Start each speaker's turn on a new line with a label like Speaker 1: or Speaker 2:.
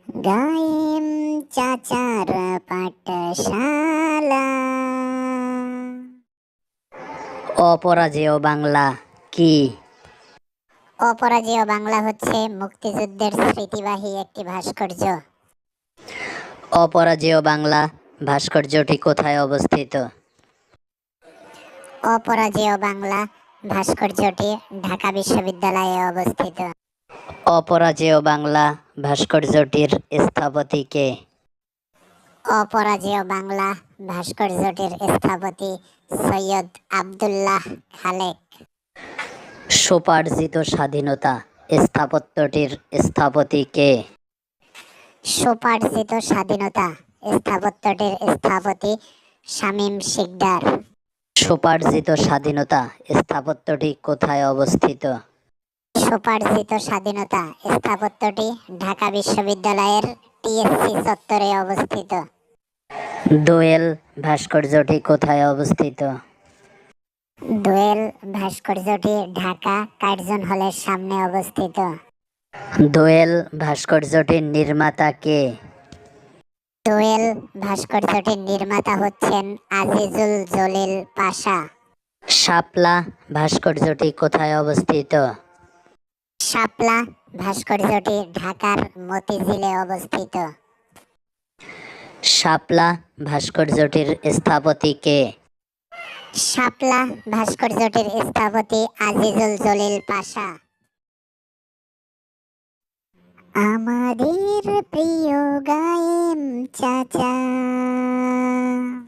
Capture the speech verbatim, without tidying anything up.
Speaker 1: গায়েম চাচার পাঠশালা।
Speaker 2: অপরাজেয় বাংলা কি?
Speaker 1: অপরাজেয় বাংলা হচ্ছে মুক্তিযুদ্ধের স্মৃতিবাহী একটি ভাস্কর্য।
Speaker 2: অপরাজেয় বাংলা ভাস্কর্যটি কোথায় অবস্থিত?
Speaker 1: অপরাজেয় বাংলা ভাস্কর্যটি ঢাকা বিশ্ববিদ্যালয়ে অবস্থিত।
Speaker 2: অপরাজেয় বাংলা ভাস্কর্যটির স্থপতি কে?
Speaker 1: অপরাজেয় বাংলা ভাস্কর্যটির স্থপতি সৈয়দ আবদুল্লাহ খালেক।
Speaker 2: স্বোপার্জিত স্বাধীনতা স্থাপত্যটির স্থপতি কে?
Speaker 1: স্বোপার্জিত স্বাধীনতা স্থাপত্যটির স্থপতি শামীম শিকদার।
Speaker 2: স্বোপার্জিত স্বাধীনতা স্থাপত্যটি কোথায় অবস্থিত?
Speaker 1: স্বোপার্জিত স্বাধীনতা স্থাপত্যটি ঢাকা বিশ্ববিদ্যালয়ের টিএসসি চত্বরে অবস্থিত।
Speaker 2: দোয়েল ভাস্কর্যটি কোথায় অবস্থিত?
Speaker 1: দোয়েল ভাস্কর্যটি ঢাকা কার্জন হলের সামনে অবস্থিত।
Speaker 2: দোয়েল ভাস্কর্যটির নির্মাতা কে?
Speaker 1: দোয়েল ভাস্কর্যটির নির্মাতা হচ্ছেন আজিজুল জলিল পাশা।
Speaker 2: শাপলা ভাস্কর্যটি কোথায় অবস্থিত?
Speaker 1: শাপলা ভাস্কর্যটি ঢাকার মতিঝিলে অবস্থিত।
Speaker 2: শাপলা ভাস্কর্যটির স্থপতি কে?
Speaker 1: শাপলা ভাস্কর্যটির স্থপতি আজিজুল জলিল পাশা। আমাদের প্রিয় গায়েম চাচা।